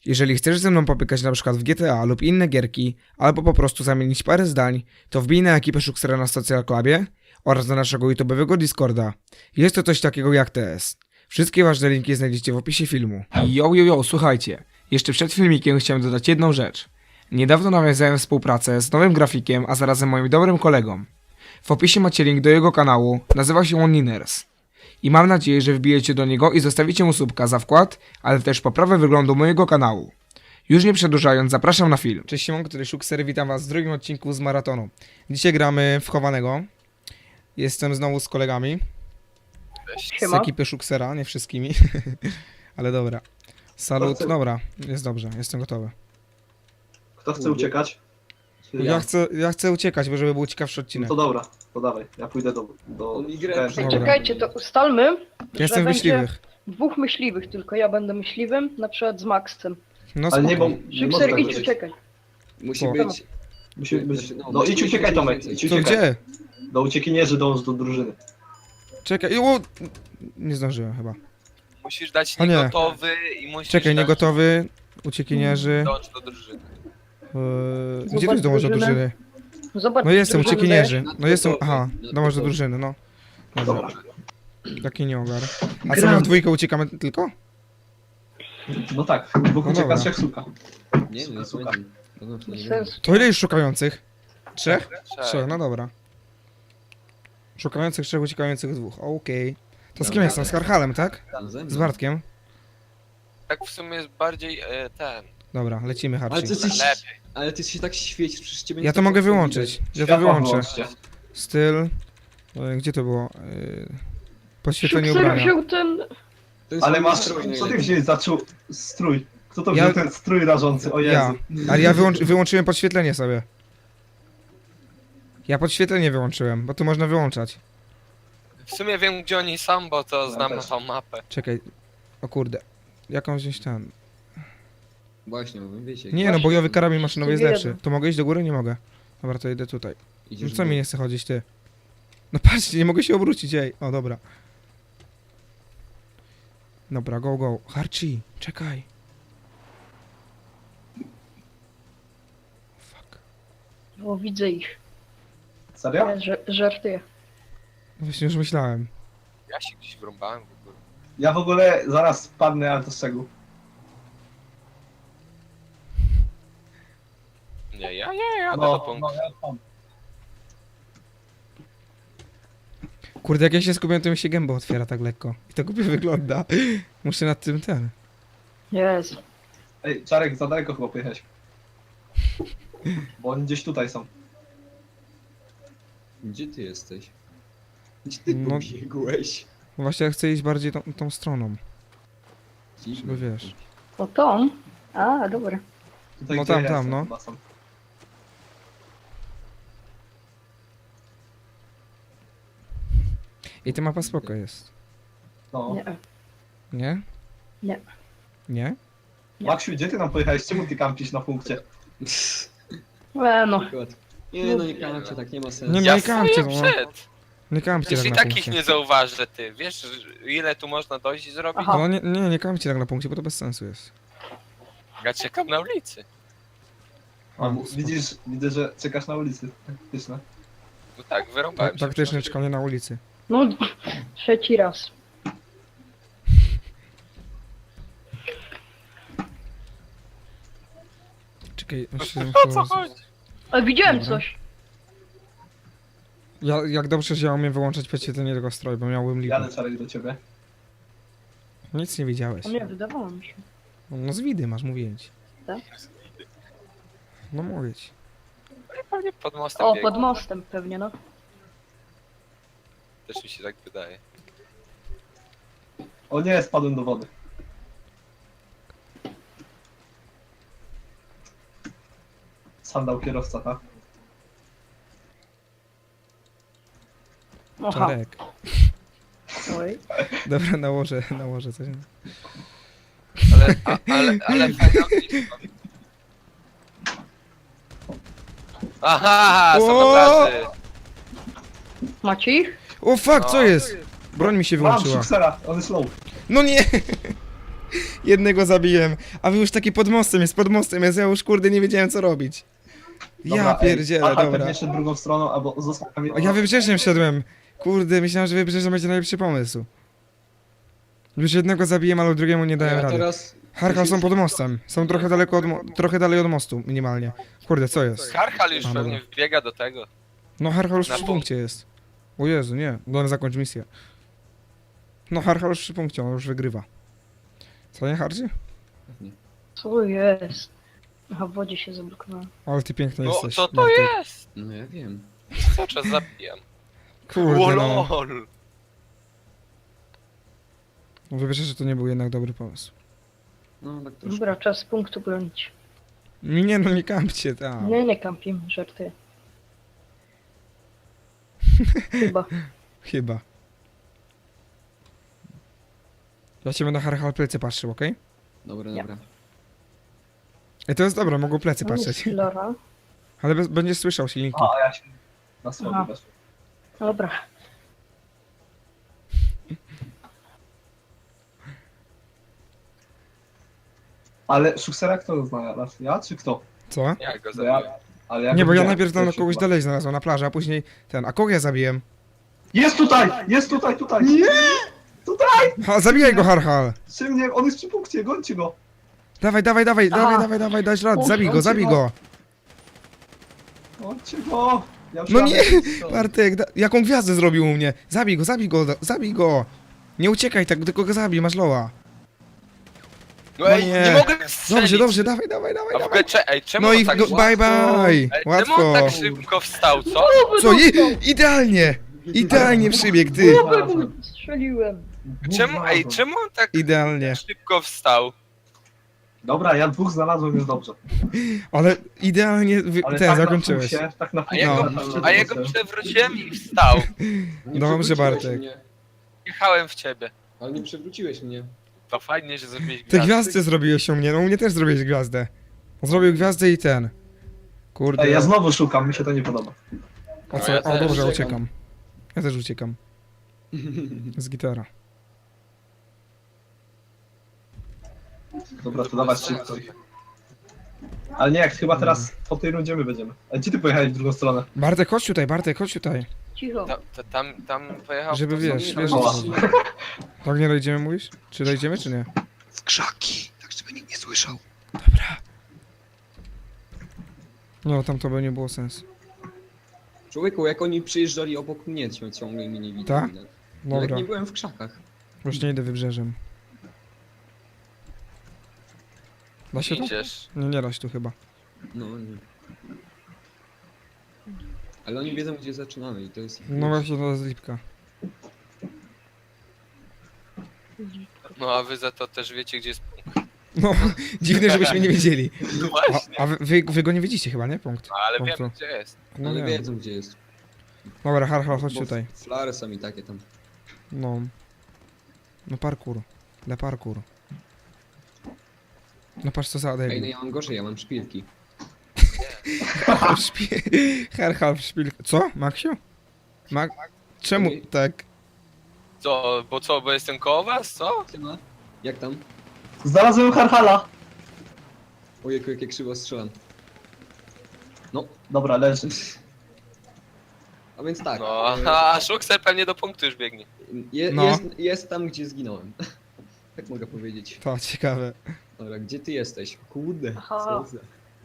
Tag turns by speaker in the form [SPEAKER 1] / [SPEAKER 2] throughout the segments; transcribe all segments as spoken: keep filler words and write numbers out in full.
[SPEAKER 1] Jeżeli chcesz ze mną popykać na przykład w G T A lub inne gierki, albo po prostu zamienić parę zdań, to wbij na ekipę Szuksera na Social Clubie oraz na naszego YouTube'owego Discorda. Jest to coś takiego jak T S. Wszystkie ważne linki znajdziecie w opisie filmu. Yo, yo, yo, słuchajcie. Jeszcze przed filmikiem chciałem dodać jedną rzecz. Niedawno nawiązałem współpracę z nowym grafikiem, a zarazem moim dobrym kolegą. W opisie macie link do jego kanału, nazywa się on Niners. I mam nadzieję, że wbijecie do niego i zostawicie mu subka za wkład, ale też poprawę wyglądu mojego kanału. Już nie przedłużając, zapraszam na film. Cześć, siemanko, tutaj Szukser, witam was w drugim odcinku z maratonu. Dzisiaj gramy w chowanego. Jestem znowu z kolegami. Z ekipy Szuksera, nie wszystkimi. Ale dobra. Salut, dobra, jest dobrze, jestem gotowy.
[SPEAKER 2] Kto chce uciekać? Czy
[SPEAKER 1] Ja chcę, ja chcę uciekać, bo żeby był ciekawszy
[SPEAKER 2] No
[SPEAKER 1] odcinek.
[SPEAKER 2] to dobra, to dawaj. Ja pójdę do... do...
[SPEAKER 1] Dobra.
[SPEAKER 3] Czekajcie, to ustalmy,
[SPEAKER 1] Ja
[SPEAKER 3] że
[SPEAKER 1] jestem
[SPEAKER 3] będzie
[SPEAKER 1] myśliwych.
[SPEAKER 3] dwóch myśliwych tylko, ja będę myśliwym, na przykład z Maxem.
[SPEAKER 1] No
[SPEAKER 2] Ale nie, bo...
[SPEAKER 1] spoko.
[SPEAKER 2] nie może
[SPEAKER 3] Szykser,
[SPEAKER 2] tak
[SPEAKER 3] idź
[SPEAKER 2] być.
[SPEAKER 3] uciekaj.
[SPEAKER 4] Musi
[SPEAKER 1] O.
[SPEAKER 4] być.
[SPEAKER 2] Musi być...
[SPEAKER 4] Znaczy, no,
[SPEAKER 2] No
[SPEAKER 4] musi
[SPEAKER 2] idź
[SPEAKER 4] być
[SPEAKER 2] uciekaj, Tomek,
[SPEAKER 4] więcej.
[SPEAKER 2] idź
[SPEAKER 1] To
[SPEAKER 2] uciekaj.
[SPEAKER 1] gdzie?
[SPEAKER 2] Do uciekinierzy dąż do drużyny.
[SPEAKER 1] Czekaj, o, nie zdążyłem chyba.
[SPEAKER 5] Musisz dać
[SPEAKER 1] O nie.
[SPEAKER 5] niegotowy i musisz
[SPEAKER 1] Czekaj,
[SPEAKER 5] dać
[SPEAKER 1] niegotowy, uciekinierzy.
[SPEAKER 5] dąż do drużyny.
[SPEAKER 1] Yy, gdzie
[SPEAKER 3] Zobacz
[SPEAKER 1] to jest dołącz do
[SPEAKER 3] drużynę.
[SPEAKER 1] drużyny?
[SPEAKER 3] Zobacz,
[SPEAKER 1] No jestem,
[SPEAKER 3] drużynę
[SPEAKER 1] uciekinierzy.
[SPEAKER 4] Na
[SPEAKER 1] No jestem,
[SPEAKER 4] gotowy,
[SPEAKER 1] aha,
[SPEAKER 4] na
[SPEAKER 1] dołącz do
[SPEAKER 4] gotowy.
[SPEAKER 1] drużyny, no. Dobra,
[SPEAKER 2] Dobra.
[SPEAKER 1] taki nie ogar. A co,
[SPEAKER 3] Gram.
[SPEAKER 1] my w dwójkę uciekamy tylko?
[SPEAKER 2] No tak, dwóch
[SPEAKER 1] No
[SPEAKER 2] ucieka,
[SPEAKER 1] dobra.
[SPEAKER 2] trzech suka.
[SPEAKER 4] Nie, no jest
[SPEAKER 2] Suka.
[SPEAKER 4] ładnie. No, no, to
[SPEAKER 3] Bez
[SPEAKER 4] nie
[SPEAKER 3] sensu.
[SPEAKER 1] To ile już szukających? Trzech?
[SPEAKER 5] Trzech.
[SPEAKER 1] Trzech, no dobra. Szukających trzech, uciekających dwóch, okej. To z kim
[SPEAKER 4] Dobra.
[SPEAKER 1] jestem? Z Karhalem, tak?
[SPEAKER 4] wiem. Ze mną.
[SPEAKER 1] Z Bartkiem?
[SPEAKER 5] Tak w sumie jest bardziej e, ten.
[SPEAKER 1] Dobra, lecimy
[SPEAKER 4] Ale
[SPEAKER 1] Harci.
[SPEAKER 4] ty jesteś,
[SPEAKER 5] Lepiej.
[SPEAKER 4] ale ty się tak świecisz, przecież ciebie
[SPEAKER 1] Ja
[SPEAKER 4] nie
[SPEAKER 1] to mogę
[SPEAKER 4] widać.
[SPEAKER 1] wyłączyć. Ja to
[SPEAKER 2] Światła
[SPEAKER 1] wyłączę.
[SPEAKER 2] wyłączcie.
[SPEAKER 1] Styl. e, Gdzie to było? E, Podświetlenie
[SPEAKER 3] Szykser
[SPEAKER 1] ubrania.
[SPEAKER 3] wziął ten...
[SPEAKER 4] To jest
[SPEAKER 2] Ale
[SPEAKER 4] mój
[SPEAKER 2] masz...
[SPEAKER 4] strój
[SPEAKER 2] Co ty
[SPEAKER 4] najlepiej.
[SPEAKER 2] wziąłeś za czu... strój? Kto to
[SPEAKER 1] Ja-
[SPEAKER 2] wziął ten strój rażący? O Jezu.
[SPEAKER 1] Ja. Ale ja wyłączy, wyłączyłem podświetlenie sobie. Ja podświetlenie wyłączyłem, bo tu można wyłączać.
[SPEAKER 5] W sumie wiem gdzie oni są, bo to
[SPEAKER 2] Ja
[SPEAKER 5] znam
[SPEAKER 2] też.
[SPEAKER 5] tą mapę.
[SPEAKER 1] Czekaj. O kurde. Jakąś gdzieś tam.
[SPEAKER 4] Właśnie, mówię, wiecie.
[SPEAKER 1] Nie no, bojowy karabin maszynowy jest
[SPEAKER 3] Jeden.
[SPEAKER 1] lepszy. To mogę iść do góry? Nie mogę. Dobra, to idę tutaj. No
[SPEAKER 4] Idziesz
[SPEAKER 1] co
[SPEAKER 4] w
[SPEAKER 1] mi
[SPEAKER 4] dół.
[SPEAKER 1] nie chce chodzić, ty? No patrzcie, nie mogę się obrócić, ej. O, dobra. Dobra, go, go. Harci, czekaj. Fuck.
[SPEAKER 3] O, widzę ich.
[SPEAKER 2] Serio?
[SPEAKER 3] Ja ża- żartuję.
[SPEAKER 1] Właśnie już myślałem.
[SPEAKER 5] Ja się gdzieś wrąbałem w ogóle.
[SPEAKER 2] Ja w ogóle zaraz spadnę, ale to z czego?
[SPEAKER 5] Nie, ja nie, jadę do
[SPEAKER 2] No,
[SPEAKER 5] punktu.
[SPEAKER 2] no, ja tam.
[SPEAKER 1] Kurde, jak ja się skupiam, to mi się gęba otwiera tak lekko. I to głupio wygląda. Muszę nad tym ten.
[SPEAKER 3] Jezu.
[SPEAKER 2] Ej, Czarek, za daleko chyba pojechałeś. Bo oni gdzieś tutaj są.
[SPEAKER 4] Gdzie ty jesteś? Gdzie ty
[SPEAKER 1] No-
[SPEAKER 4] pobiegłeś?
[SPEAKER 1] Właśnie ja chcę iść bardziej tą, tą stroną.
[SPEAKER 4] Dziwne.
[SPEAKER 1] Żeby wiesz.
[SPEAKER 3] O, tą? A, dobra.
[SPEAKER 2] Tutaj,
[SPEAKER 1] No
[SPEAKER 2] gdzie
[SPEAKER 1] tam,
[SPEAKER 2] ja
[SPEAKER 1] tam,
[SPEAKER 2] jestem,
[SPEAKER 1] no.
[SPEAKER 2] chyba są.
[SPEAKER 1] I ta mapa spoko jest.
[SPEAKER 2] No.
[SPEAKER 3] Nie.
[SPEAKER 1] Nie?
[SPEAKER 3] Nie.
[SPEAKER 1] Nie?
[SPEAKER 2] Maksiu, gdzie ty nam pojechałeś? Czemu ty kampisz na punkcie?
[SPEAKER 3] E, no.
[SPEAKER 4] Akurat. Nie no, nie kampcie, tak nie ma sensu.
[SPEAKER 1] Nie,
[SPEAKER 5] Ja
[SPEAKER 1] nie kampcie,
[SPEAKER 5] stoję
[SPEAKER 1] no.
[SPEAKER 5] przed.
[SPEAKER 1] Nie kampcie
[SPEAKER 5] Już
[SPEAKER 1] tak
[SPEAKER 5] i
[SPEAKER 1] na
[SPEAKER 5] tak ich
[SPEAKER 1] punkcie.
[SPEAKER 5] nie zauważę, ty. Wiesz ile tu można dojść i zrobić?
[SPEAKER 3] Aha.
[SPEAKER 1] No nie, nie, nie kampcie tak na punkcie, bo to bez sensu jest.
[SPEAKER 5] Ja czekam na ulicy.
[SPEAKER 2] A,
[SPEAKER 1] A,
[SPEAKER 2] mu-
[SPEAKER 1] spoko.
[SPEAKER 2] widzisz, widzę, że czekasz na ulicy. Faktyczne.
[SPEAKER 5] No tak, wyrąbałem się.
[SPEAKER 1] Faktycznie czekanie na ulicy.
[SPEAKER 3] No, trzeci raz.
[SPEAKER 1] Czekaj, muszę...
[SPEAKER 5] O co chodzi?
[SPEAKER 3] A, widziałem
[SPEAKER 1] Dobra.
[SPEAKER 3] coś.
[SPEAKER 1] Ja, jak dobrze, że ja umiem wyłączać podświetlenie tego stroju, bo miałbym lipę.
[SPEAKER 2] Jadę, Czarek, do ciebie.
[SPEAKER 1] Nic nie widziałeś.
[SPEAKER 3] O nie, wydawało mi się.
[SPEAKER 1] No z widy masz, mówię ci.
[SPEAKER 3] Tak?
[SPEAKER 1] No mówię ci.
[SPEAKER 5] Pewnie pod mostem
[SPEAKER 3] O,
[SPEAKER 5] biegł.
[SPEAKER 3] pod mostem pewnie, no.
[SPEAKER 5] Też mi się tak wydaje.
[SPEAKER 2] O nie, spadłem do wody. Sandał kierowca, tak?
[SPEAKER 3] Aha.
[SPEAKER 1] Czarek.
[SPEAKER 3] Oj.
[SPEAKER 1] Dobra, nałożę, nałożę coś.
[SPEAKER 5] Ale, a, ale, ale fajna blisko. Aha, są
[SPEAKER 1] O!
[SPEAKER 5] obrazy.
[SPEAKER 3] Macie ich?
[SPEAKER 1] O fuck, co
[SPEAKER 5] No.
[SPEAKER 1] jest? Broń mi się
[SPEAKER 2] Mam
[SPEAKER 1] wyłączyła.
[SPEAKER 2] Szuksera, on jest low.
[SPEAKER 1] No nie! Jednego zabiłem, a wy już taki pod mostem jest, pod mostem jest, ja już kurde nie wiedziałem co robić. Ja
[SPEAKER 2] Dobra, ej,
[SPEAKER 1] pierdzielę,
[SPEAKER 2] Archal
[SPEAKER 1] dobra.
[SPEAKER 2] pewnie szedł drugą stroną, albo został tam
[SPEAKER 1] A ja wybrzeżem szedłem. Kurde, myślałem, że wybrzeżem będzie najlepszy pomysł. Już jednego zabiłem, ale drugiemu nie dałem
[SPEAKER 4] Ja
[SPEAKER 1] rady.
[SPEAKER 4] teraz...
[SPEAKER 1] Harkal są pod mostem. Są trochę daleko od mo- trochę dalej od mostu, minimalnie. Kurde, co jest?
[SPEAKER 5] Karchal już
[SPEAKER 1] A,
[SPEAKER 5] pewnie
[SPEAKER 1] dobra.
[SPEAKER 5] wbiega do tego.
[SPEAKER 1] No Harkal już
[SPEAKER 5] Na
[SPEAKER 1] przy
[SPEAKER 5] pół.
[SPEAKER 1] punkcie jest. O Jezu, nie. No zakończ misję. No Harkal już przy punkcie, on już wygrywa. Co nie, Hardzi?
[SPEAKER 3] Co jest? Aha, w wodzie się zablokowałem.
[SPEAKER 1] Ale ty piękny
[SPEAKER 5] No
[SPEAKER 1] jesteś.
[SPEAKER 5] co to
[SPEAKER 1] Bartek.
[SPEAKER 5] jest?
[SPEAKER 4] No ja wiem.
[SPEAKER 5] Cały czas zabijam.
[SPEAKER 1] Kurde, no.
[SPEAKER 5] Lol.
[SPEAKER 1] Wybierzesz, że to nie był jednak dobry pomysł.
[SPEAKER 4] No tak troszkę.
[SPEAKER 3] Dobra, czas punktu bronić.
[SPEAKER 1] Nie no, nie kampcie tam.
[SPEAKER 3] Nie, nie kampim, żartuję. Chyba.
[SPEAKER 1] Chyba. Ja cię będę na Harkal plecy patrzył, okej?
[SPEAKER 4] Dobra,
[SPEAKER 3] Ja.
[SPEAKER 4] dobra.
[SPEAKER 1] I to jest dobre, mogą plecy
[SPEAKER 3] Tam jest
[SPEAKER 1] patrzeć.
[SPEAKER 3] Flora.
[SPEAKER 1] Ale bez, będziesz słyszał silniki.
[SPEAKER 2] A, a ja się na słowo
[SPEAKER 3] Aha.
[SPEAKER 2] weszłem.
[SPEAKER 3] Dobra.
[SPEAKER 2] Ale Szuksera kto znalazł? Ja czy kto?
[SPEAKER 1] Co?
[SPEAKER 5] Ja go
[SPEAKER 2] Bo ja,
[SPEAKER 5] zabiłem.
[SPEAKER 2] ale ja
[SPEAKER 1] Nie,
[SPEAKER 2] go
[SPEAKER 1] bo ja
[SPEAKER 2] widziałem
[SPEAKER 1] najpierw tam
[SPEAKER 2] pierwszy
[SPEAKER 1] kogoś
[SPEAKER 2] chyba.
[SPEAKER 1] dalej znalazłem na plaży, a później ten. A kogo ja zabiłem?
[SPEAKER 2] Jest tutaj! Jest tutaj, tutaj! Nie! Tutaj!
[SPEAKER 1] Ha, zabijaj go, Harhal!
[SPEAKER 2] Przy mnie, on jest przy punkcie, gońcie go!
[SPEAKER 1] Dawaj, dawaj, dawaj,
[SPEAKER 3] Aha.
[SPEAKER 1] dawaj, dawaj, dawaj, dać rad,
[SPEAKER 3] Uch,
[SPEAKER 1] zabij go,
[SPEAKER 2] on
[SPEAKER 1] zabij
[SPEAKER 2] cię
[SPEAKER 1] go!
[SPEAKER 2] Gońcie go! Ja
[SPEAKER 1] No
[SPEAKER 2] już
[SPEAKER 1] nie,
[SPEAKER 2] jadę.
[SPEAKER 1] Bartek, da, jaką gwiazdę zrobił u mnie? Zabij go, zabij go, da- zabij go! Nie uciekaj tak, tylko go zabij, masz loa.
[SPEAKER 5] No
[SPEAKER 1] No
[SPEAKER 5] ej,
[SPEAKER 1] nie.
[SPEAKER 5] nie mogę strzelić.
[SPEAKER 1] Dobrze, dobrze, dawaj, dawaj, dawaj,
[SPEAKER 5] A w ogóle,
[SPEAKER 1] dawaj.
[SPEAKER 5] cze- ej, czemu
[SPEAKER 1] No
[SPEAKER 5] on
[SPEAKER 1] i
[SPEAKER 5] tak
[SPEAKER 1] go,
[SPEAKER 5] szybko...
[SPEAKER 1] bye bye!
[SPEAKER 5] Ej, czemu
[SPEAKER 1] Łatwo!
[SPEAKER 5] on tak szybko wstał, co?
[SPEAKER 1] Co? I, idealnie! Idealnie przybiegł, ty!
[SPEAKER 3] Głowę mu strzeliłem.
[SPEAKER 5] Czemu, ej, czemu on tak
[SPEAKER 1] Idealnie.
[SPEAKER 5] szybko wstał?
[SPEAKER 2] Dobra, ja dwóch znalazłem, jest dobrze.
[SPEAKER 1] Ale idealnie wy,
[SPEAKER 2] Ale
[SPEAKER 1] ten
[SPEAKER 2] tak
[SPEAKER 1] zakończyłeś.
[SPEAKER 2] Na punkcie, tak na
[SPEAKER 5] A ja,
[SPEAKER 1] No.
[SPEAKER 5] go, a ja go przewróciłem i wstał.
[SPEAKER 4] Nie
[SPEAKER 1] Dobrze,
[SPEAKER 4] przewróciłeś
[SPEAKER 1] Bartek.
[SPEAKER 4] Mnie.
[SPEAKER 5] Jechałem w ciebie.
[SPEAKER 4] Ale nie przewróciłeś mnie.
[SPEAKER 5] To fajnie, że zrobiłeś
[SPEAKER 1] Te
[SPEAKER 5] gwiazdy.
[SPEAKER 1] gwiazdy zrobiłeś u mnie, no u mnie też zrobiłeś gwiazdę. Zrobił gwiazdę i ten. Kurde.
[SPEAKER 2] Ej, ja znowu szukam, mi się to nie podoba.
[SPEAKER 1] O,
[SPEAKER 5] No
[SPEAKER 1] co?
[SPEAKER 5] ja
[SPEAKER 1] O
[SPEAKER 5] też
[SPEAKER 1] dobrze,
[SPEAKER 4] uciekam.
[SPEAKER 1] uciekam. Ja też uciekam. Z gitara.
[SPEAKER 2] Dobra, to dawać szybko. Ale nie, jak chyba teraz po tej rundzie my będziemy. A gdzie ty pojechałeś w drugą stronę?
[SPEAKER 1] Bartek, chodź tutaj, Bartek, chodź tutaj.
[SPEAKER 3] Cicho.
[SPEAKER 5] Ta, ta, tam, tam pojechał...
[SPEAKER 1] Żeby
[SPEAKER 5] po-
[SPEAKER 1] wiesz,
[SPEAKER 4] Nie,
[SPEAKER 1] wiesz,
[SPEAKER 4] ale-
[SPEAKER 2] o.
[SPEAKER 1] Tak nie dojdziemy, mówisz? Czy dojdziemy, czy nie?
[SPEAKER 6] w krzaki, tak żeby nikt nie słyszał.
[SPEAKER 1] No, tam to by nie było sensu.
[SPEAKER 4] Człowieku, jak oni przyjeżdżali obok mnie, cią- ciągle mnie nie
[SPEAKER 1] Tak?
[SPEAKER 4] widzieli. Nawet
[SPEAKER 1] Dobra,
[SPEAKER 4] nie byłem w krzakach.
[SPEAKER 1] już nie idę wybrzeżem. Da się tu?
[SPEAKER 5] Idziesz.
[SPEAKER 1] Nie, nie da się tu chyba.
[SPEAKER 4] No nie. Ale oni wiedzą, gdzie zaczynamy i to jest...
[SPEAKER 1] No właśnie, to jest lipka.
[SPEAKER 5] No a wy za to też wiecie, gdzie jest punkt.
[SPEAKER 1] No, dziwne, żebyśmy nie wiedzieli.
[SPEAKER 5] No
[SPEAKER 1] A,
[SPEAKER 5] właśnie.
[SPEAKER 1] a wy, wy, wy go nie widzicie chyba, nie? Punkt.
[SPEAKER 5] No, ale
[SPEAKER 1] Punktu.
[SPEAKER 5] wiem, gdzie jest.
[SPEAKER 1] No
[SPEAKER 4] Ale
[SPEAKER 1] nie.
[SPEAKER 4] wiedzą, gdzie jest.
[SPEAKER 1] Dobra, har, har, chodź
[SPEAKER 4] Bo
[SPEAKER 1] tutaj.
[SPEAKER 4] Flary są i takie tam.
[SPEAKER 1] No. No parkour. Dla parkour. No patrz co za
[SPEAKER 4] Ej, no
[SPEAKER 1] debil.
[SPEAKER 4] ja mam gorzej, ja mam szpilki.
[SPEAKER 1] Har, har, szpil... Co? Maksiu? Mak... Czemu
[SPEAKER 4] Ej.
[SPEAKER 1] tak?
[SPEAKER 5] Co, bo co, bo jestem koło was, co?
[SPEAKER 4] Siema. Jak tam?
[SPEAKER 2] Znalazłem Harhala!
[SPEAKER 4] Ojejku, jak ja krzywo strzelam. No,
[SPEAKER 2] Dobra, leży.
[SPEAKER 4] a więc tak.
[SPEAKER 5] No,
[SPEAKER 4] e,
[SPEAKER 5] a Szuxer pewnie do punktu już biegnie.
[SPEAKER 4] Je,
[SPEAKER 1] No.
[SPEAKER 4] jest, jest tam, gdzie zginąłem. Tak mogę powiedzieć.
[SPEAKER 1] To ciekawe.
[SPEAKER 4] Dobra, gdzie ty jesteś? Kurde,
[SPEAKER 3] Aha.
[SPEAKER 4] co za...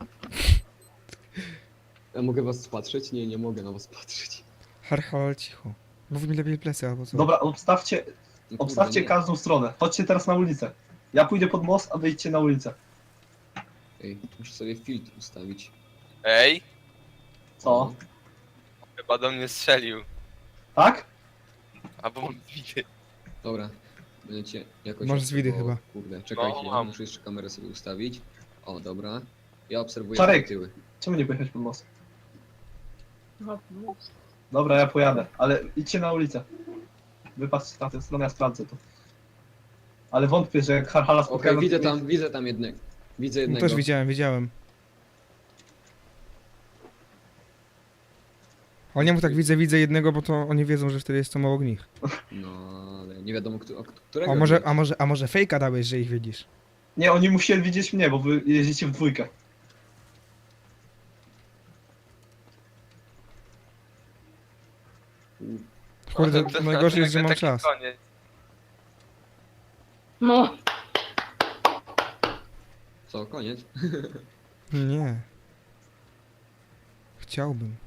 [SPEAKER 4] Ja mogę was patrzeć? Nie, nie mogę na was patrzeć.
[SPEAKER 1] Har, har, cicho. Mów mi lepiej plecy albo co.
[SPEAKER 2] Dobra, obstawcie,
[SPEAKER 4] No kurde,
[SPEAKER 2] obstawcie
[SPEAKER 4] nie.
[SPEAKER 2] każdą stronę. Chodźcie teraz na ulicę. Ja pójdę pod most, a wyjdźcie na ulicę.
[SPEAKER 4] Ej, muszę sobie filtr ustawić.
[SPEAKER 5] Ej,
[SPEAKER 2] Co?
[SPEAKER 5] chyba do mnie strzelił.
[SPEAKER 2] Tak?
[SPEAKER 5] Albo mam widy.
[SPEAKER 4] Dobra, będziecie jakoś...
[SPEAKER 1] Masz zwidy
[SPEAKER 4] o,
[SPEAKER 1] chyba.
[SPEAKER 4] Kurde, czekajcie,
[SPEAKER 5] No,
[SPEAKER 4] ja
[SPEAKER 5] mam.
[SPEAKER 4] muszę jeszcze kamerę sobie ustawić. O, dobra. Ja obserwuję
[SPEAKER 2] Czarek.
[SPEAKER 4] tyły.
[SPEAKER 2] Czemu nie pojechać pod most?
[SPEAKER 3] No, no.
[SPEAKER 2] Dobra, ja pojadę, ale idźcie na ulicę. Wypatrzcie na tę stronę, ja sprawdzę to. Ale wątpię, że jak Harhala
[SPEAKER 4] Okej,
[SPEAKER 2] spotkają...
[SPEAKER 4] widzę tam, widzę tam jednego. Widzę
[SPEAKER 1] No
[SPEAKER 4] jednego.
[SPEAKER 1] też widziałem, widziałem. Ale nie mu tak widzę, widzę jednego, bo to oni wiedzą, że wtedy jestem obok nich.
[SPEAKER 4] No, ale nie wiadomo kto, którego.
[SPEAKER 1] A może,
[SPEAKER 4] widać.
[SPEAKER 1] a może, a może fejka dałeś, że ich widzisz?
[SPEAKER 2] Nie, oni musieli widzieć mnie, bo wy jeździcie w dwójkę.
[SPEAKER 1] Kurde,
[SPEAKER 5] To- to-
[SPEAKER 1] najgorzej jest, że
[SPEAKER 5] nagle
[SPEAKER 1] mam
[SPEAKER 5] taki
[SPEAKER 1] czas.
[SPEAKER 5] koniec.
[SPEAKER 3] No,
[SPEAKER 4] Co, koniec?
[SPEAKER 1] Nie. Chciałbym.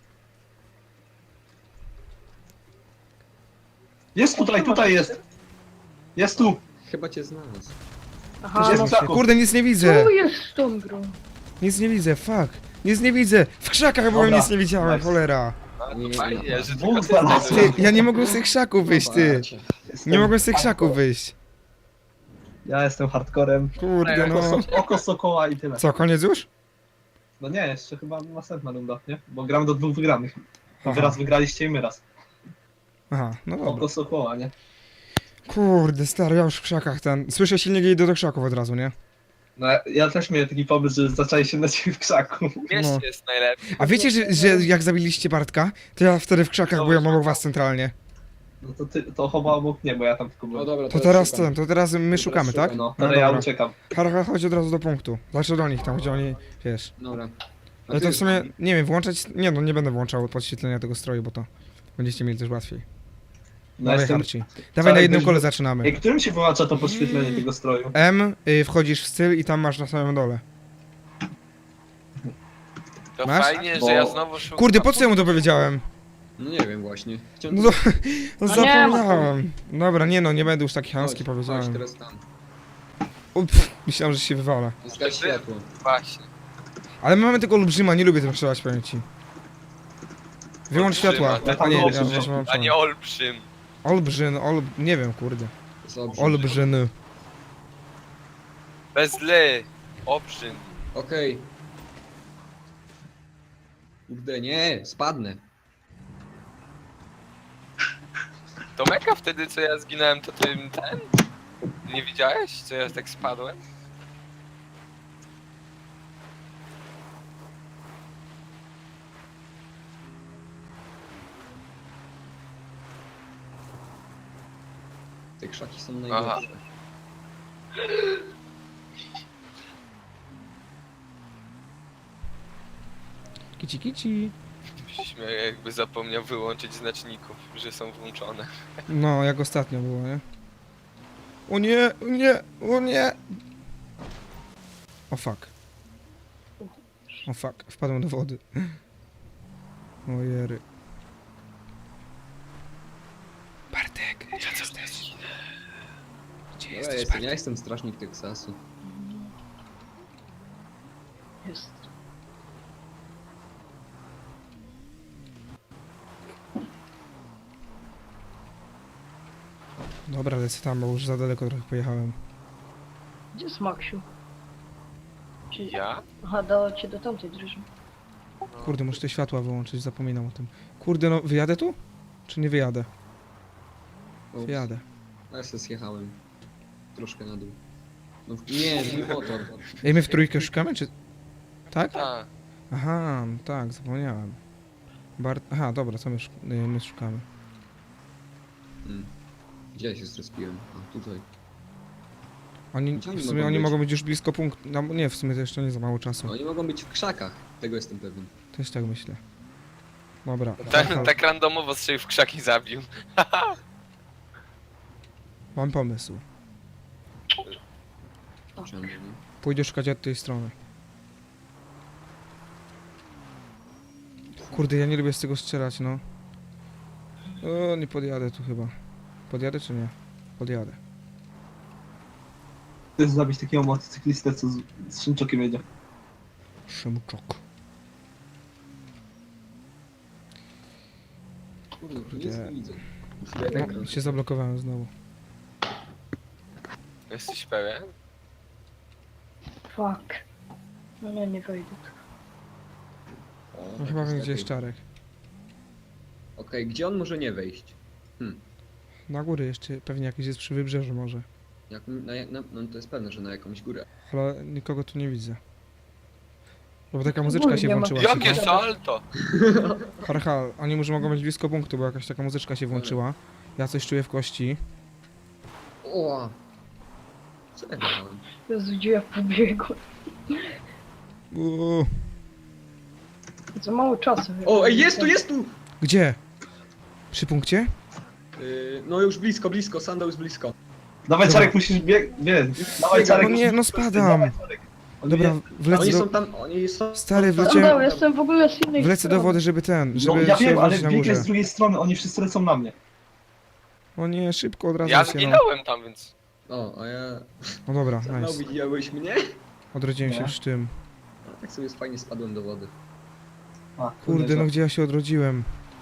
[SPEAKER 2] Jest tutaj, tutaj jest! Jest tu!
[SPEAKER 4] Chyba cię znalazł.
[SPEAKER 3] aha,
[SPEAKER 2] Jest
[SPEAKER 3] no
[SPEAKER 2] za-
[SPEAKER 1] Kurde, nic nie widzę!
[SPEAKER 3] co jest z tą grą?
[SPEAKER 1] Nic nie widzę, fuck! Nic nie widzę! W krzakach byłem,
[SPEAKER 2] Dobra,
[SPEAKER 1] nic nie widziałem,
[SPEAKER 2] nice.
[SPEAKER 1] cholera!
[SPEAKER 5] A,
[SPEAKER 4] Nie,
[SPEAKER 5] to fajnie, że
[SPEAKER 2] Dwóch
[SPEAKER 5] tylko ty
[SPEAKER 2] znalazłem.
[SPEAKER 1] Ty,
[SPEAKER 5] znalazłeś.
[SPEAKER 1] ja nie mogłem z tych krzaków wyjść, ty!
[SPEAKER 4] Zobaczcie.
[SPEAKER 2] Jestem
[SPEAKER 1] Nie mogłem z tych krzaków
[SPEAKER 2] hardcore.
[SPEAKER 1] wyjść.
[SPEAKER 2] Ja jestem hardcorem.
[SPEAKER 1] Kurde,
[SPEAKER 2] Oko,
[SPEAKER 1] no.
[SPEAKER 2] so oko sokoła i tyle.
[SPEAKER 1] Co, koniec już?
[SPEAKER 2] No nie, jeszcze chyba następna runda, nie? Bo gramy do dwóch wygranych.
[SPEAKER 1] Aha.
[SPEAKER 2] Wy raz wygraliście i my raz.
[SPEAKER 1] Aha, no dobra.
[SPEAKER 2] Oko sokoła, nie?
[SPEAKER 1] Kurde, stary, ja już w krzakach ten... Słyszę silnik i idę do krzaków od razu, nie?
[SPEAKER 2] No ja- ja też miałem taki pomysł, że zaczęli się na ciebie w krzaku.
[SPEAKER 5] W mieście
[SPEAKER 1] No.
[SPEAKER 5] jest najlepiej.
[SPEAKER 1] A wiecie, że, że jak zabiliście Bartka, to ja wtedy w krzakach
[SPEAKER 5] No,
[SPEAKER 1] byłem
[SPEAKER 5] no.
[SPEAKER 1] obok was centralnie.
[SPEAKER 2] No to ty, to chyba obok mnie, bo ja tam tylko
[SPEAKER 4] O
[SPEAKER 2] byłem.
[SPEAKER 4] dobra,
[SPEAKER 1] To teraz
[SPEAKER 4] szukam.
[SPEAKER 1] ten, to teraz my
[SPEAKER 4] Teraz
[SPEAKER 1] szukamy,
[SPEAKER 4] szukam,
[SPEAKER 1] tak?
[SPEAKER 2] No,
[SPEAKER 1] No
[SPEAKER 2] ale ja
[SPEAKER 1] dobra.
[SPEAKER 2] uciekam.
[SPEAKER 1] Hara, chodź od razu do punktu. Znaczy do nich tam, gdzie oni, wiesz.
[SPEAKER 4] Dobra. A
[SPEAKER 1] Ale to
[SPEAKER 4] ty-
[SPEAKER 1] w sumie, nie wiem, włączać... Nie no, nie będę włączał podświetlenia tego stroju, bo to będziecie mieli też łatwiej.
[SPEAKER 2] No
[SPEAKER 1] Dawaj,
[SPEAKER 2] jestem...
[SPEAKER 1] Harci. Dawaj na
[SPEAKER 2] Cały
[SPEAKER 1] jednym
[SPEAKER 2] byś-
[SPEAKER 1] kole zaczynamy.
[SPEAKER 2] Ej, którym się wyłącza to podświetlenie tego stroju?
[SPEAKER 1] M, y, wchodzisz w styl i tam masz na samym dole.
[SPEAKER 5] To
[SPEAKER 1] Masz?
[SPEAKER 5] fajnie,
[SPEAKER 2] Bo-
[SPEAKER 5] że ja znowu szukam.
[SPEAKER 1] Kurde, po co ja mu to powiedziałem?
[SPEAKER 4] No nie wiem właśnie. Chciałem...
[SPEAKER 1] No to, no
[SPEAKER 3] No nie ma
[SPEAKER 1] zapomniałem. Dobra, nie no, nie będę już taki chamski
[SPEAKER 4] Chodź, chodź
[SPEAKER 1] powiedziałem.
[SPEAKER 4] teraz tam.
[SPEAKER 1] O, pff, myślałem, że się wywala.
[SPEAKER 4] Zgaś światło.
[SPEAKER 5] Właśnie.
[SPEAKER 1] Ale my mamy tego olbrzyma, nie lubię tym strzelać, powiem ci. Wyłącz
[SPEAKER 5] Olbrzyma,
[SPEAKER 1] światła.
[SPEAKER 2] ja tam
[SPEAKER 1] A nie, ja
[SPEAKER 2] olbrzym,
[SPEAKER 1] też mam
[SPEAKER 5] A nie olbrzym.
[SPEAKER 1] Olbrzyn, ol... nie wiem, kurde.
[SPEAKER 4] To jest olbrzym.
[SPEAKER 1] Olbrzyny.
[SPEAKER 5] Bez ly. Obrzyn.
[SPEAKER 4] Okej. Kurde, nie, spadnę.
[SPEAKER 5] To meka wtedy, co ja zginąłem, to ty ten? Nie widziałeś, co ja tak spadłem?
[SPEAKER 4] Te krzaki są najgorsze.
[SPEAKER 1] Kici kici.
[SPEAKER 5] Się śmieję, jakby zapomniał wyłączyć znaczników, że są włączone.
[SPEAKER 1] No, jak ostatnio było, nie? O nie, o nie, o nie! O fuck. O fuck, wpadłem do wody. O jery. Bartek, gdzie jesteś? Gdzie
[SPEAKER 4] Ja
[SPEAKER 1] jesteś,
[SPEAKER 4] jestem,
[SPEAKER 1] Bartek?
[SPEAKER 4] ja jestem strażnik Teksasu.
[SPEAKER 3] Jest.
[SPEAKER 1] Dobra, lecę tam, bo już za daleko trochę pojechałem.
[SPEAKER 3] Gdzie jest Maksiu? Czy...
[SPEAKER 5] Ja?
[SPEAKER 3] Aha, dała cię do tamtej drużyny.
[SPEAKER 5] No.
[SPEAKER 1] Kurde, muszę te światła wyłączyć, zapominam o tym. Kurde, no wyjadę tu? Czy nie wyjadę?
[SPEAKER 4] Ups.
[SPEAKER 1] Wyjadę.
[SPEAKER 4] Ja się zjechałem. Troszkę na dół. No nie, mój motor.
[SPEAKER 1] Ej, my w trójkę szukamy, czy... Tak?
[SPEAKER 5] Tak.
[SPEAKER 1] Aha, no tak, zapomniałem. Bart... Aha, dobra, co my, szuk... y, my szukamy?
[SPEAKER 4] Hmm. Gdzie ja się zrespiłem? A, tutaj.
[SPEAKER 1] Oni,
[SPEAKER 4] Gdzie oni
[SPEAKER 1] w sumie
[SPEAKER 4] mogą
[SPEAKER 1] oni
[SPEAKER 4] być?
[SPEAKER 1] mogą być już blisko punktu. No nie, w sumie to jeszcze nie za mało czasu.
[SPEAKER 4] Oni mogą być w krzakach. Tego jestem pewien.
[SPEAKER 1] Też tak myślę. Dobra.
[SPEAKER 5] Tak,
[SPEAKER 1] Aha,
[SPEAKER 5] tak randomowo strzelił w krzaki zabił.
[SPEAKER 1] Mam pomysł.
[SPEAKER 4] Czemu nie?
[SPEAKER 1] Pójdę szukać od tej strony. Kurde, ja nie lubię z tego strzelać, no. O, nie podjadę tu chyba. Podjadę czy nie? Podjadę.
[SPEAKER 2] Chcesz zabić takiego motocyklistę, co z, z Szymczokiem jedzie.
[SPEAKER 1] Szymczok.
[SPEAKER 4] Kurde,
[SPEAKER 1] Kurde.
[SPEAKER 4] nic nie widzę.
[SPEAKER 1] No, się zablokowałem znowu.
[SPEAKER 5] Jesteś pewien?
[SPEAKER 3] Fuck. No nie, nie wejdę tu.
[SPEAKER 4] O,
[SPEAKER 1] No
[SPEAKER 4] tak
[SPEAKER 1] chyba
[SPEAKER 4] jest
[SPEAKER 1] wiem, gdzie
[SPEAKER 4] lepiej.
[SPEAKER 1] jest Czarek.
[SPEAKER 4] Okej, gdzie on może nie wejść?
[SPEAKER 1] Na górę jeszcze, pewnie jakiś jest przy wybrzeżu może.
[SPEAKER 4] Jak, na, jak- na, no to jest pewne, że na jakąś górę.
[SPEAKER 1] Ale nikogo tu nie widzę. Bo taka muzyczka się
[SPEAKER 3] nie ma.
[SPEAKER 1] włączyła.
[SPEAKER 5] Jakie
[SPEAKER 1] ciekawe.
[SPEAKER 5] salto!
[SPEAKER 1] Harcha, oni może mogą być blisko punktu, bo jakaś taka muzyczka się włączyła. Ja coś czuję w kości.
[SPEAKER 4] O! Co ja dałem?
[SPEAKER 3] Jezu, gdzie ja pobiegłem?
[SPEAKER 1] Uuu.
[SPEAKER 3] Za mało czasu.
[SPEAKER 4] O, ej, jest tu, jest tu!
[SPEAKER 1] Gdzie? Przy punkcie?
[SPEAKER 4] Yy, no już blisko, blisko, sandał jest blisko.
[SPEAKER 2] Dawaj,
[SPEAKER 1] Dobra.
[SPEAKER 2] Czarek, musisz bieg... Bieg. Dawaj, Czarek.
[SPEAKER 1] No nie, no
[SPEAKER 2] musisz-
[SPEAKER 1] spadam.
[SPEAKER 2] Dawaj, Czarek. On
[SPEAKER 1] Dobra,
[SPEAKER 2] jest-
[SPEAKER 1] wlecę
[SPEAKER 4] Oni
[SPEAKER 1] do,
[SPEAKER 4] są tam, oni są...
[SPEAKER 1] Stary,
[SPEAKER 4] są tam-
[SPEAKER 1] wleciałem-
[SPEAKER 3] Sandał, jestem w ogóle z innej
[SPEAKER 1] wlecę do
[SPEAKER 3] strony.
[SPEAKER 1] wody, żeby ten,
[SPEAKER 2] No
[SPEAKER 1] żeby
[SPEAKER 2] ja
[SPEAKER 1] się
[SPEAKER 2] wiem, ale
[SPEAKER 1] wrócić na
[SPEAKER 2] bieg
[SPEAKER 1] górze.
[SPEAKER 2] jest z drugiej strony, oni wszyscy lecą na mnie.
[SPEAKER 1] O nie, szybko od razu
[SPEAKER 5] Ja
[SPEAKER 1] się, no.
[SPEAKER 5] zginąłem tam, więc...
[SPEAKER 4] O, a ja...
[SPEAKER 1] No dobra,
[SPEAKER 4] Sandał,
[SPEAKER 1] nice.
[SPEAKER 4] widziałeś mnie?
[SPEAKER 1] Odrodziłem się
[SPEAKER 2] Nie.
[SPEAKER 1] przy tym.
[SPEAKER 4] A, tak sobie fajnie spadłem do wody.
[SPEAKER 2] A,
[SPEAKER 1] Kurde, no gdzie ja się odrodziłem?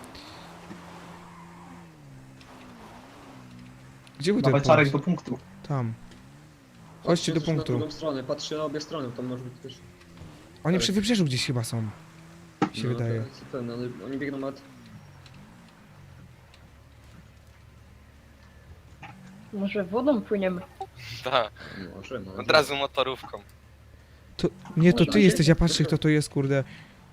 [SPEAKER 1] Gdzie był ten
[SPEAKER 2] Dawaj, Czarek, do
[SPEAKER 1] punkt?
[SPEAKER 2] punktu.
[SPEAKER 1] Tam. Chodźcie do
[SPEAKER 4] Patrzę Na
[SPEAKER 1] punktu.
[SPEAKER 4] drugą stronę, patrzę na obie strony, tam może być też...
[SPEAKER 1] Oni przy wybrzeżu gdzieś chyba są. Mi się
[SPEAKER 4] no,
[SPEAKER 1] wydaje.
[SPEAKER 4] to jest Ten, ale oni biegną nad...
[SPEAKER 3] Może wodą płyniemy.
[SPEAKER 5] Tak,
[SPEAKER 4] Może, może.
[SPEAKER 5] od razu motorówką.
[SPEAKER 1] To, nie, to
[SPEAKER 4] Można
[SPEAKER 1] ty
[SPEAKER 4] się-
[SPEAKER 1] jesteś, ja patrzę kto to jest, kurde.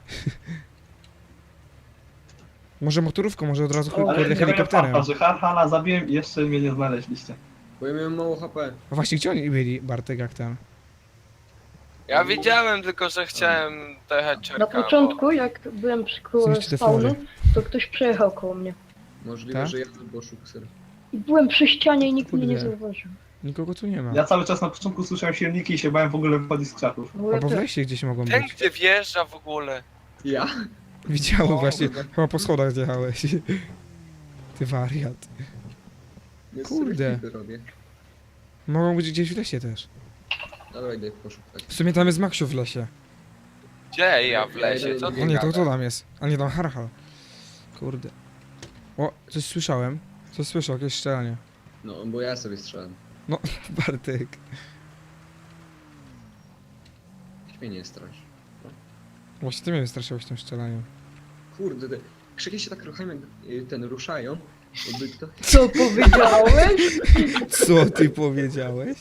[SPEAKER 1] Może motorówką, może od razu
[SPEAKER 3] O,
[SPEAKER 1] kurde
[SPEAKER 2] Ale nie
[SPEAKER 1] helikopterem.
[SPEAKER 2] farta, że Harhala zabiłem i jeszcze mnie nie znaleźliście.
[SPEAKER 4] Bo ja miałem mało H P.
[SPEAKER 1] A właśnie, gdzie oni byli, Bartek, jak ten?
[SPEAKER 5] Ja wiedziałem tylko, że chciałem dojechać
[SPEAKER 3] Na
[SPEAKER 5] Czarka,
[SPEAKER 3] początku, jak byłem przy koło
[SPEAKER 1] Zniszczy te
[SPEAKER 3] spawnu,
[SPEAKER 1] fory.
[SPEAKER 3] to ktoś przejechał koło mnie.
[SPEAKER 4] Możliwe,
[SPEAKER 1] Tak?
[SPEAKER 4] że ja albo Szukser.
[SPEAKER 3] I byłem przy ścianie i nikt mnie nie
[SPEAKER 1] Kurde.
[SPEAKER 3] zauważył.
[SPEAKER 1] Nikogo tu nie ma.
[SPEAKER 2] Ja cały czas na początku słyszałem silniki i się bałem w ogóle wychodzić z krzaków.
[SPEAKER 3] Bo ja
[SPEAKER 1] Albo w
[SPEAKER 3] też.
[SPEAKER 1] lesie gdzieś mogą
[SPEAKER 5] Ten,
[SPEAKER 1] być.
[SPEAKER 5] gdzie wjeżdża w ogóle.
[SPEAKER 4] Ja?
[SPEAKER 1] Widziałem
[SPEAKER 5] O,
[SPEAKER 1] właśnie,
[SPEAKER 4] kurde.
[SPEAKER 1] chyba po schodach zjechałeś. Ty wariat.
[SPEAKER 4] Ja
[SPEAKER 1] Kurde.
[SPEAKER 4] sobie robię.
[SPEAKER 1] Mogą być gdzieś w lesie też.
[SPEAKER 4] Dobra, idę poszukać.
[SPEAKER 1] W sumie tam jest Maksiu w lesie.
[SPEAKER 5] Gdzie ja w lesie? Co
[SPEAKER 1] O
[SPEAKER 5] ty
[SPEAKER 1] nie, to
[SPEAKER 5] gadasz?
[SPEAKER 1] to tam jest. A nie, tam Harhal. Kurde. O, coś słyszałem. Coś słyszał, jakieś strzelanie.
[SPEAKER 4] No, bo ja sobie strzelam.
[SPEAKER 1] Bartek.
[SPEAKER 4] Niech mnie nie strasz.
[SPEAKER 1] Właśnie ty mnie wystraszyłeś tym strzelaniem.
[SPEAKER 4] Kurde, te krzyki się tak ruchają, jak y, ten ruszają. Jakby kto...
[SPEAKER 3] Co powiedziałeś?
[SPEAKER 1] Co ty powiedziałeś?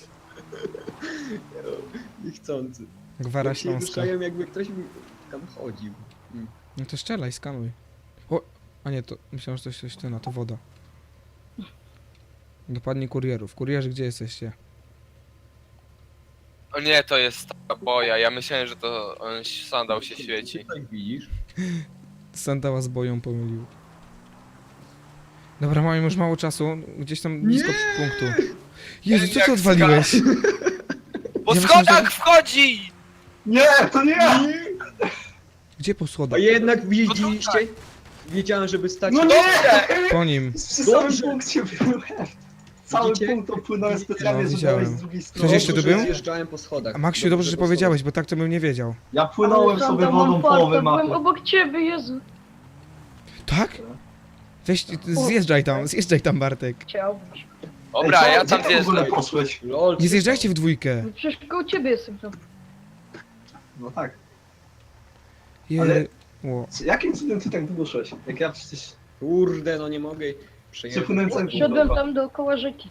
[SPEAKER 4] Niechcący.
[SPEAKER 1] Gwara
[SPEAKER 4] Jak się
[SPEAKER 1] Śląska.
[SPEAKER 4] ruszają, jakby ktoś mi tam chodził. Mm.
[SPEAKER 1] No to strzelaj, skanuj. O, a nie, to myślałem, że to coś ty, no to woda. Dopadnie kurierów. Kurierzy, gdzie jesteście?
[SPEAKER 5] O nie, to jest ta boja. Ja myślałem, że to on sandał się świeci.
[SPEAKER 4] Tak widzisz?
[SPEAKER 1] Sandała z boją pomylił. Dobra, mamy już mało czasu. Gdzieś tam blisko punktu. Jezu, co ty
[SPEAKER 5] Jak
[SPEAKER 1] odwaliłeś?
[SPEAKER 5] Po
[SPEAKER 1] Ja myślałem,
[SPEAKER 5] schodach
[SPEAKER 1] że-
[SPEAKER 5] wchodzi!
[SPEAKER 2] Nie, to nie ja!
[SPEAKER 1] Gdzie po
[SPEAKER 4] A
[SPEAKER 1] schodach?
[SPEAKER 4] jednak widzieliście? Wiedziałem, żeby stać...
[SPEAKER 2] No nie!
[SPEAKER 1] Po nim.
[SPEAKER 2] Przy samym
[SPEAKER 4] Dobrze.
[SPEAKER 2] punkcie byłem. Cały
[SPEAKER 4] Widzicie?
[SPEAKER 2] punkt opłynąłem specjalnie,
[SPEAKER 1] No,
[SPEAKER 2] żeby
[SPEAKER 1] widziałem.
[SPEAKER 2] wejść z drugiej
[SPEAKER 1] Ktoś
[SPEAKER 2] strony.
[SPEAKER 1] jeszcze tu
[SPEAKER 4] Dobrze, że
[SPEAKER 1] był?
[SPEAKER 4] Zjeżdżałem po schodach.
[SPEAKER 1] A Maksiu, dobrze, że
[SPEAKER 4] po schodach.
[SPEAKER 1] powiedziałeś, bo tak to bym nie wiedział.
[SPEAKER 2] Ja płynąłem
[SPEAKER 3] Ale
[SPEAKER 2] sobie
[SPEAKER 3] Sandał, mam
[SPEAKER 2] wodą
[SPEAKER 3] farta,
[SPEAKER 2] połowę
[SPEAKER 3] byłem
[SPEAKER 2] mapy.
[SPEAKER 3] obok ciebie, Jezu.
[SPEAKER 1] Tak? Weź, zjeżdżaj tam, zjeżdżaj tam, Bartek.
[SPEAKER 3] Chciałbyś.
[SPEAKER 5] Dobra,
[SPEAKER 2] Ej,
[SPEAKER 5] ja
[SPEAKER 2] gdzie
[SPEAKER 5] tam
[SPEAKER 2] ty w ogóle
[SPEAKER 5] zjeżdżam.
[SPEAKER 2] poszłeś?
[SPEAKER 4] Lol,
[SPEAKER 1] Nie zjeżdżajcie w dwójkę.
[SPEAKER 3] No przecież koło ciebie jestem tam.
[SPEAKER 2] No tak.
[SPEAKER 1] Je...
[SPEAKER 2] Ale-
[SPEAKER 1] Ło.
[SPEAKER 2] Jakim cudem ty tak długo szłeś? Jak ja przecież
[SPEAKER 4] Kurde, no nie mogę przejechać.
[SPEAKER 2] przepłynąłem cały punkt
[SPEAKER 3] Szedłem
[SPEAKER 2] dookoła.
[SPEAKER 3] tam dookoła rzeki.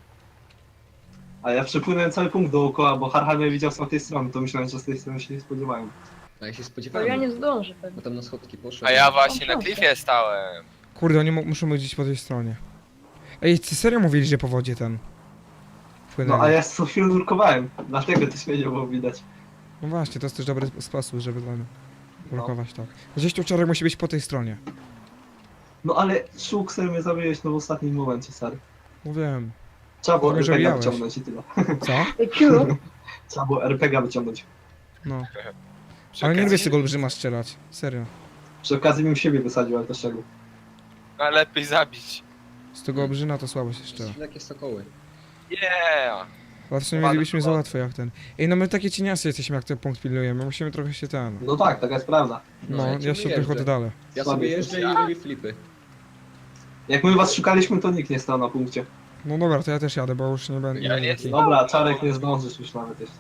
[SPEAKER 2] A ja przepłynąłem cały punkt dookoła, bo Harhal mnie widział z tamtej strony, to myślałem, że z tej strony się nie spodziewałem.
[SPEAKER 4] A ja się
[SPEAKER 3] To
[SPEAKER 4] spodziewałem.
[SPEAKER 3] ja nie zdążę pewnie.
[SPEAKER 4] Bo tam na schodki poszedłem.
[SPEAKER 5] A ja właśnie na klifie stałem.
[SPEAKER 1] Kurde, oni mo- muszą być gdzieś po tej stronie. Ej, ty serio mówili, że po wodzie ten...
[SPEAKER 2] No
[SPEAKER 1] Płynęli.
[SPEAKER 2] a ja co chwilę nurkowałem, dlatego też mnie nie było widać.
[SPEAKER 1] No właśnie, to jest też dobry sposób, żeby ten... blokować tak. Gdzieś tu Czarek musi być po tej stronie.
[SPEAKER 2] No ale Szukser mnie zabiłeś no w ostatnim momencie, stary.
[SPEAKER 1] Mówiłem.
[SPEAKER 2] Trzeba było
[SPEAKER 1] Mówię, że
[SPEAKER 2] er pe gie
[SPEAKER 1] mijałeś.
[SPEAKER 2] wyciągnąć i tyle.
[SPEAKER 1] Co?
[SPEAKER 3] Ej, Ciu,
[SPEAKER 2] Trzeba było er pe gie wyciągnąć.
[SPEAKER 1] No.
[SPEAKER 5] Przy
[SPEAKER 1] Ale nie lubię z
[SPEAKER 5] okazji-
[SPEAKER 1] tego olbrzyma strzelać. Serio.
[SPEAKER 2] Przy okazji bym siebie wysadził, ale to czego?
[SPEAKER 5] No lepiej zabić.
[SPEAKER 1] Z tego olbrzyma to słabo się strzela.
[SPEAKER 4] Takie sokoły.
[SPEAKER 5] Yeah!
[SPEAKER 1] Ale w sumie
[SPEAKER 5] Ładnie,
[SPEAKER 1] mielibyśmy za
[SPEAKER 5] ładnie.
[SPEAKER 1] łatwo jak ten. Ej, no my takie cieniasy jesteśmy jak ten punkt pilnujemy. Musimy trochę się ten...
[SPEAKER 2] No tak, taka jest prawda.
[SPEAKER 1] No,
[SPEAKER 4] ja
[SPEAKER 1] ja
[SPEAKER 4] ciągle
[SPEAKER 1] się
[SPEAKER 4] jeżdżę.
[SPEAKER 1] trochę oddalę.
[SPEAKER 4] Ja
[SPEAKER 2] Słaby
[SPEAKER 4] sobie
[SPEAKER 2] jesteś.
[SPEAKER 4] jeżdżę i robię flipy.
[SPEAKER 2] Jak my was szukaliśmy, to nikt nie stał na punkcie.
[SPEAKER 1] No dobra, to ja też jadę, bo już nie będę...
[SPEAKER 5] Ja nie
[SPEAKER 1] taki-
[SPEAKER 2] Dobra, Czarek nie zdążysz już nawet jeszcze.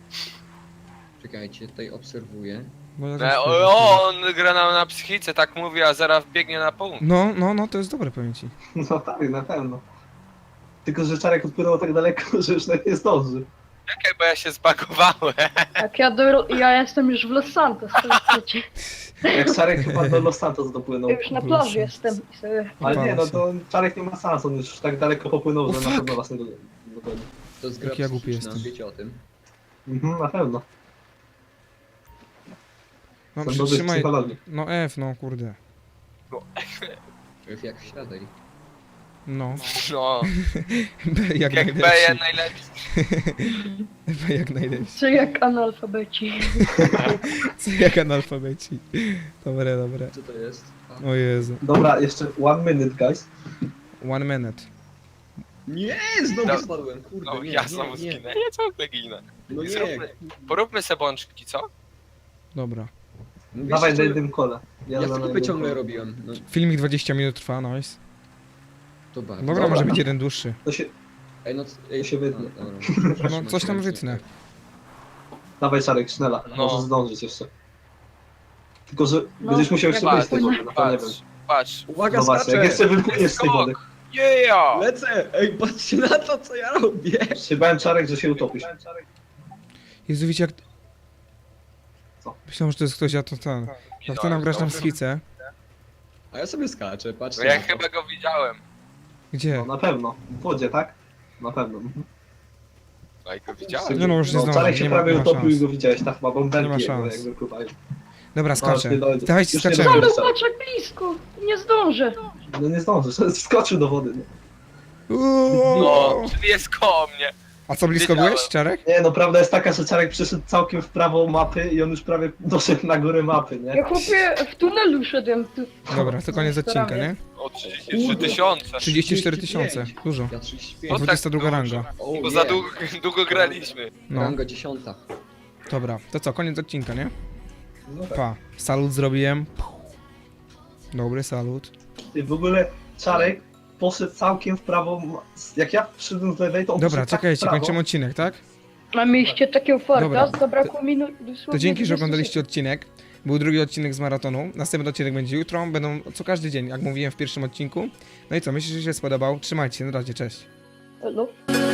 [SPEAKER 4] Czekajcie, tutaj obserwuję.
[SPEAKER 1] No, ja też
[SPEAKER 5] No,
[SPEAKER 1] spróbuję.
[SPEAKER 5] o, on gra na, na psychice, tak mówi, a zaraz biegnie na punkt.
[SPEAKER 1] No, no, no, to jest dobre, powiem ci.
[SPEAKER 2] No tak, na pewno. Tylko, że Czarek odpłynął tak daleko, że już nawet nie zdąży.
[SPEAKER 5] Czekaj, bo ja się zbagowałem.
[SPEAKER 3] jak ja do... ja jestem już w Los Santos, to wiecie.
[SPEAKER 2] Jak Czarek chyba do Los Santos dopłynął.
[SPEAKER 3] Ja już na
[SPEAKER 1] Los
[SPEAKER 3] plaży
[SPEAKER 1] Santos.
[SPEAKER 3] jestem i sobie...
[SPEAKER 2] Ale nie, no
[SPEAKER 1] Pałac.
[SPEAKER 2] to Czarek nie ma sensu, on już tak daleko popłynął,
[SPEAKER 1] O,
[SPEAKER 2] że na
[SPEAKER 1] fuck!
[SPEAKER 2] pewno was nie do- Dokładnie.
[SPEAKER 4] To jest gra
[SPEAKER 1] Jak ja głupi
[SPEAKER 4] psychiczna,
[SPEAKER 1] jestem.
[SPEAKER 4] wiecie o tym.
[SPEAKER 2] Mhm, na pewno.
[SPEAKER 1] No
[SPEAKER 2] Są dobrzy
[SPEAKER 1] przytrzymaj.
[SPEAKER 2] psychologii.
[SPEAKER 1] No F, no kurde.
[SPEAKER 4] Jak siadaj.
[SPEAKER 1] No.
[SPEAKER 5] No,
[SPEAKER 1] B jak,
[SPEAKER 5] jak B
[SPEAKER 1] najlepszy.
[SPEAKER 5] najlepiej.
[SPEAKER 1] B jak najlepszy.
[SPEAKER 3] Co jak analfabeci.
[SPEAKER 1] Co jak analfabeci. Dobre, dobre.
[SPEAKER 4] Co to jest? A.
[SPEAKER 1] O Jezu.
[SPEAKER 2] Dobra, jeszcze one minute, guys.
[SPEAKER 1] One minute.
[SPEAKER 4] Nie, znowu
[SPEAKER 5] No,
[SPEAKER 4] spadłem, kurde,
[SPEAKER 5] No,
[SPEAKER 4] nie,
[SPEAKER 5] ja
[SPEAKER 4] nie,
[SPEAKER 5] znowu
[SPEAKER 4] nie.
[SPEAKER 5] zginę. Ja ciągle ginę.
[SPEAKER 4] No nie.
[SPEAKER 5] Zróbmy- Poróbmy se bączki, co?
[SPEAKER 1] Dobra.
[SPEAKER 4] Mówisz,
[SPEAKER 2] Dawaj na
[SPEAKER 4] że-
[SPEAKER 2] jednym kole.
[SPEAKER 4] Ja
[SPEAKER 2] za
[SPEAKER 4] flipy
[SPEAKER 2] jednym
[SPEAKER 4] ciągle
[SPEAKER 2] kole.
[SPEAKER 4] robiłem. No,
[SPEAKER 1] Filmik dwadzieścia minut trwa, nice.
[SPEAKER 4] to bardzo.
[SPEAKER 1] Dobra,
[SPEAKER 2] Dobra.
[SPEAKER 1] może być jeden dłuższy.
[SPEAKER 2] To się...
[SPEAKER 4] Ej, no, c- ej,
[SPEAKER 2] To się wytnie.
[SPEAKER 4] no, dobra.
[SPEAKER 1] No coś tam wytnę.
[SPEAKER 2] Dawaj Czarek, sznela.
[SPEAKER 5] No.
[SPEAKER 2] Może zdążyć jeszcze. Tylko, że
[SPEAKER 3] No,
[SPEAKER 2] będziesz musiał jeszcze
[SPEAKER 3] jak
[SPEAKER 2] wyjść z tej wody,
[SPEAKER 3] płynę.
[SPEAKER 2] no to nie wiem.
[SPEAKER 5] Patrz, patrz.
[SPEAKER 4] Uwaga,
[SPEAKER 2] No właśnie, jak
[SPEAKER 4] skaczę!
[SPEAKER 2] jeszcze wypłyniesz z tej
[SPEAKER 5] Skok.
[SPEAKER 2] wody.
[SPEAKER 5] Yeah!
[SPEAKER 4] Lecę! Ej, patrzcie na to, co ja robię!
[SPEAKER 2] Się bałem, Czarek, że się utopisz.
[SPEAKER 1] Jezu, wiecie jak...
[SPEAKER 2] Co?
[SPEAKER 1] Myślałem, że to jest ktoś, a to ten. Jak ty nam grasz tam schicę.
[SPEAKER 4] A ja sobie skaczę, patrzcie
[SPEAKER 5] No ja
[SPEAKER 4] na to.
[SPEAKER 5] chyba go widziałem.
[SPEAKER 1] Gdzie?
[SPEAKER 2] No na pewno. W wodzie, tak? Na pewno. Mhm.
[SPEAKER 5] No i go widziałem.
[SPEAKER 1] Nie no, już nie
[SPEAKER 2] No,
[SPEAKER 1] zdążę,
[SPEAKER 2] Czarek się
[SPEAKER 1] nie ma-
[SPEAKER 2] prawie
[SPEAKER 1] nie ma
[SPEAKER 2] utopił i
[SPEAKER 1] szans.
[SPEAKER 2] go widziałeś, tak chyba bąbelki
[SPEAKER 1] Nie ma
[SPEAKER 2] jego,
[SPEAKER 1] szans.
[SPEAKER 2] jak wypływają.
[SPEAKER 1] Dobra, skaczę.
[SPEAKER 2] nie dojdę.
[SPEAKER 1] Dawajcie,
[SPEAKER 2] Już nie
[SPEAKER 1] skaczemy.
[SPEAKER 2] dojdę.
[SPEAKER 3] Ale patrz jak blisko. Nie zdążę.
[SPEAKER 2] No nie zdążysz, wskoczył do wody. Nie?
[SPEAKER 1] Uuu.
[SPEAKER 5] No, czyli jest koło mnie.
[SPEAKER 1] A co, blisko
[SPEAKER 5] Wiedziałem.
[SPEAKER 1] byłeś, Czarek?
[SPEAKER 2] Nie, no prawda jest taka, że Czarek przyszedł całkiem w prawo mapy i on już prawie doszedł na górę mapy, nie?
[SPEAKER 3] Ja chłopie w tunelu szedłem. Tu.
[SPEAKER 1] Dobra, to koniec odcinka, nie?
[SPEAKER 5] O trzydzieści trzy tysiące.
[SPEAKER 1] trzydzieści cztery tysiące. Dużo.
[SPEAKER 4] Ja trzydzieści
[SPEAKER 5] To
[SPEAKER 4] pięć.
[SPEAKER 5] tak
[SPEAKER 1] dwudziesta druga
[SPEAKER 5] dużo.
[SPEAKER 1] ranga.
[SPEAKER 4] O,
[SPEAKER 5] Bo
[SPEAKER 4] nie.
[SPEAKER 5] za długo, długo graliśmy.
[SPEAKER 1] No,
[SPEAKER 4] Ranga dziesiąta.
[SPEAKER 1] dobra. To co, koniec odcinka, nie?
[SPEAKER 2] No tak.
[SPEAKER 1] Pa. Salut zrobiłem. Dobry salut.
[SPEAKER 2] I w ogóle Czarek poszedł całkiem w prawo, ma- jak ja przyszedłem z lewej, to on
[SPEAKER 1] Dobra,
[SPEAKER 2] poszedł tak w
[SPEAKER 1] czekajcie,
[SPEAKER 2] prawo.
[SPEAKER 1] kończymy odcinek, tak?
[SPEAKER 3] A mieliście takiego farta,
[SPEAKER 1] Dobra.
[SPEAKER 3] zabrakło minut dosłownie
[SPEAKER 1] To dzięki, że
[SPEAKER 3] dwadzieścia
[SPEAKER 1] oglądaliście odcinek. Był drugi odcinek z maratonu. Następny odcinek będzie jutro. Będą co każdy dzień, jak mówiłem w pierwszym odcinku. No i co, myślę, że się spodobał. Trzymajcie się, na razie, cześć.
[SPEAKER 3] sekund. Elo.